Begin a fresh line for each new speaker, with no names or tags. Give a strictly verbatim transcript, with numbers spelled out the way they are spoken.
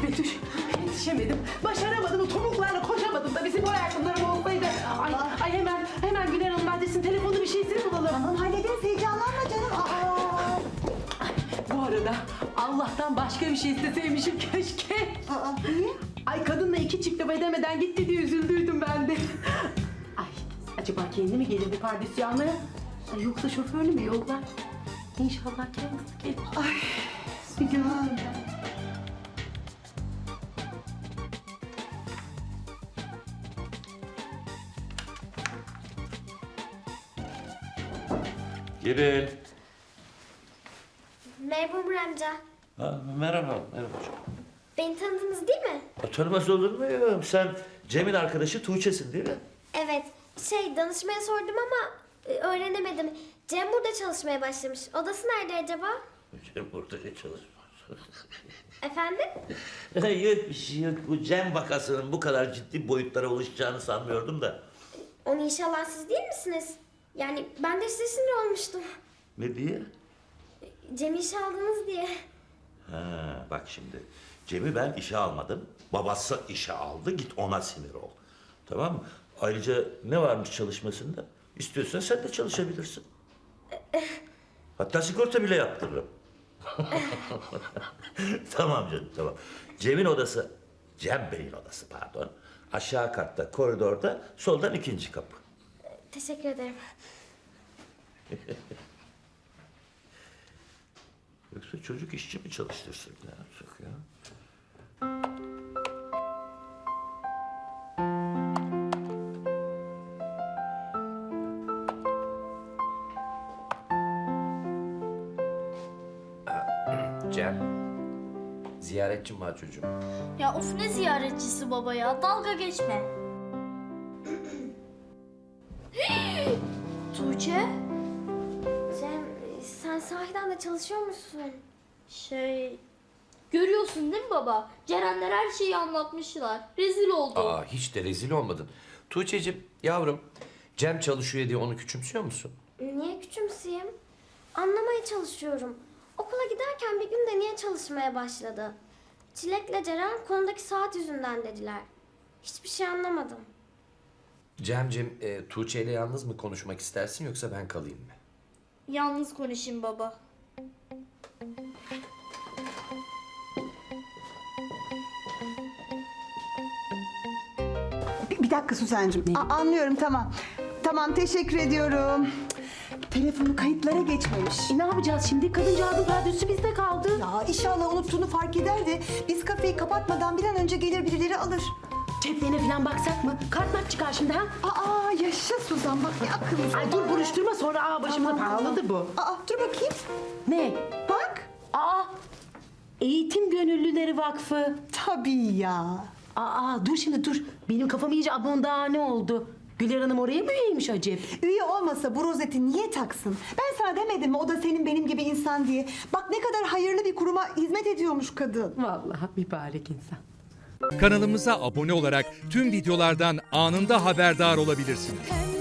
Betüş, yetişemedim. Başaramadım, o topuklarla koşamadım da bizim o ayakkabılarım olsaydı. Ay, ay hemen, hemen Güler Hanım adresini, telefonu bir şeysini bulalım.
Tamam hallederiz, heyecanlanma canım. Aa.
Ay, bu arada Allah'tan başka bir şey isteseymişim keşke.
Aa, niye?
Ay kadınla iki çift laf edemeden gitti diye üzüldüydüm ben de. Ay acaba kendi mi gelirdi pardesü almaya? Ay, yoksa şoförlü mü yollar? İnşallah kendisi gelir. Ay bir görürüm ben.
Girin.
Merhaba Umur amca.
Ha, merhaba, merhaba.
Beni tanıdınız değil mi?
Ha, tanımaz olur muyum? Sen Cem'in arkadaşı Tuğçe'sin değil mi?
Evet. Şey danışmaya sordum ama e, öğrenemedim. Cem burada çalışmaya başlamış. Odası nerede acaba?
Cem burada çalışmaz.
Efendim?
Yok bir şey yok. Bu Cem vakasının bu kadar ciddi boyutlara ulaşacağını sanmıyordum da.
Onu inşallah siz değil misiniz? Yani ben de size sinir olmuştum.
Ne diye?
Cem'i işe aldınız diye.
Ha, bak şimdi. Cem'i ben işe almadım. Babası işe aldı. Git ona sinir ol. Tamam mı? Ayrıca ne varmış çalışmasında? İstiyorsan sen de çalışabilirsin. Hatta sigorta bile yaptırırım. Tamam canım, tamam. Cem'in odası, Cem Bey'in odası pardon. Aşağı katta, koridorda, soldan ikinci kapı.
Teşekkür ederim.
Yoksa çocuk işçi mi çalıştırsın? Ne yapacak ya?
Cem, ziyaretçim var çocuğum.
Ya of ne ziyaretçisi baba ya, dalga geçme. Tuğçe?
Cem sen sahiden de çalışıyor musun?
Şey... Görüyorsun değil mi baba? Cerenler her şeyi anlatmışlar. Rezil oldum.
Aa, hiç de rezil olmadın. Tuğçe'cim, yavrum, Cem çalışıyor diye onu küçümsüyor musun?
Niye küçümseyeyim? Anlamaya çalışıyorum. Okula giderken bir gün de niye çalışmaya başladı? Çilek'le Ceren konudaki saat yüzünden dediler. Hiçbir şey anlamadım.
Cem'cim, e, Tuğçe ile yalnız mı konuşmak istersin yoksa ben kalayım mı?
Yalnız konuşayım baba.
Bir, bir dakika Suzancığım. A- anlıyorum, tamam. Tamam, teşekkür ediyorum. Telefonu kayıtlara geçmemiş.
E, ne yapacağız şimdi? Kadıncağızın pardesüsü bizde kaldı.
Ya inşallah unuttuğunu fark eder de biz kafeyi kapatmadan bir an önce gelir birileri alır.
Ceplerine falan baksak mı? Kart mart çıkar şimdi ha?
Aa yaşa Suzan, bak ne akıllısın.
Ay dur buruşturma sonra aa başımıza
Tamam,
pahalıdır bu.
Aa dur bakayım.
Ne?
Bak.
Aa Eğitim Gönüllüleri Vakfı.
Tabii ya.
Aa dur şimdi dur. Benim kafam iyice abondane oldu. Güler Hanım oraya mı üyeymiş acep?
Üye olmasa bu rozeti niye taksın? Ben sana demedim mi o da senin benim gibi insan diye. Bak ne kadar hayırlı bir kuruma hizmet ediyormuş kadın.
Vallahi mübarek insan.
Kanalımıza abone olarak tüm videolardan anında haberdar olabilirsiniz.